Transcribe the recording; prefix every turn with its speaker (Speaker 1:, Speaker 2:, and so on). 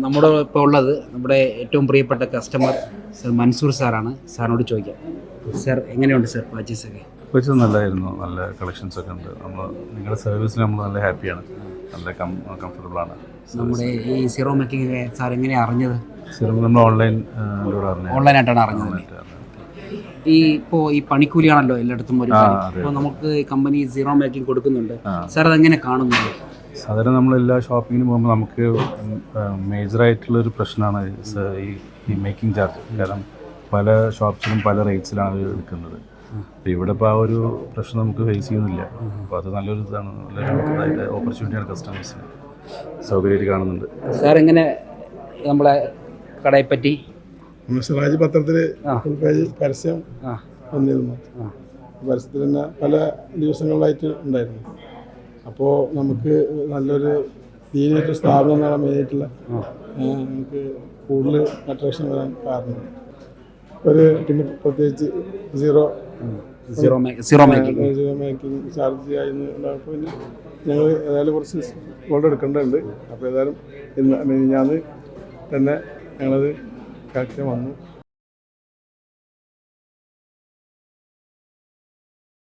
Speaker 1: നമ്മുടെ ഇപ്പോൾ ഉള്ളത് നമ്മുടെ ഏറ്റവും പ്രിയപ്പെട്ട കസ്റ്റമർ സർ മൻസൂർ സാറാണ്. സാറിനോട് ചോദിക്കാം. സാർ എങ്ങനെയുണ്ട് സാർ പർച്ചേസൊക്കെ?
Speaker 2: പർച്ചേസ് നല്ലതായിരുന്നു. നല്ല കളക്ഷൻസ് ഒക്കെ ഉണ്ട്. നിങ്ങളുടെ സർവീസിൽ നമ്മൾ നല്ല ഹാപ്പിയാണ്. നല്ല കംഫർട്ടബിളാണ്.
Speaker 1: നമ്മുടെ ഈ സീറോ മേക്കിംഗ് സാർ എങ്ങനെയാണ് അറിഞ്ഞത്?
Speaker 2: നമ്മൾ
Speaker 1: ഓൺലൈനായിട്ടാണ് അറിഞ്ഞത്. ഇപ്പോൾ ഈ പണിക്കൂലിയാണല്ലോ എല്ലായിടത്തും ഒരു കാര്യം. അപ്പോൾ നമുക്ക് കമ്പനി സീറോ മേക്കിംഗ് കൊടുക്കുന്നുണ്ട്. സാർ അതെങ്ങനെ കാണുന്നുണ്ട്?
Speaker 2: സാധാരണ നമ്മൾ എല്ലാ ഷോപ്പിങ്ങിന് പോകുമ്പോൾ നമുക്ക് മേജറായിട്ടുള്ളൊരു പ്രശ്നമാണ് ഈ മേക്കിംഗ് ചാർജ്. കാരണം പല ഷോപ്സിലും പല റേറ്റ്സിലാണ് എടുക്കുന്നത്. അപ്പോൾ ഇവിടെ ഇപ്പോൾ ആ ഒരു പ്രശ്നം നമുക്ക് ഫേസ് ചെയ്യുന്നില്ല. അപ്പോൾ അത് നല്ലൊരു ഇതാണ്, നല്ലൊരു ഓപ്പർച്യൂണിറ്റിയാണ്. കസ്റ്റമേഴ്സിന് സൗകര്യമായിട്ട് കാണുന്നുണ്ട്.
Speaker 1: സാർ എങ്ങനെ നമ്മളെ കടയെ പറ്റി?
Speaker 3: സിറാജ് പത്രത്തിൽ പരസ്യം വന്നിരുന്നു. പരസ്യത്തിൽ തന്നെ പല ദിവസങ്ങളിലായിട്ട് ഉണ്ടായിരുന്നു. അപ്പോൾ നമുക്ക് നല്ലൊരു ദീനായിട്ട് സ്ഥാപനം എന്നാണ് മെയിനായിട്ടുള്ള നമുക്ക് കൂടുതൽ അട്രാക്ഷൻ വരാൻ കാരണം. പിന്നെ പ്രത്യേകിച്ച് സീറോ മേക്കിംഗ് ചാർജ് ആയിരുന്നു. പിന്നെ ഞങ്ങൾ ഏതായാലും കുറച്ച് ഗോൾഡ് എടുക്കേണ്ടതുണ്ട്. അപ്പോൾ ഏതായാലും ഞാൻ തന്നെ ഞങ്ങളത് കാര്യം വന്നു.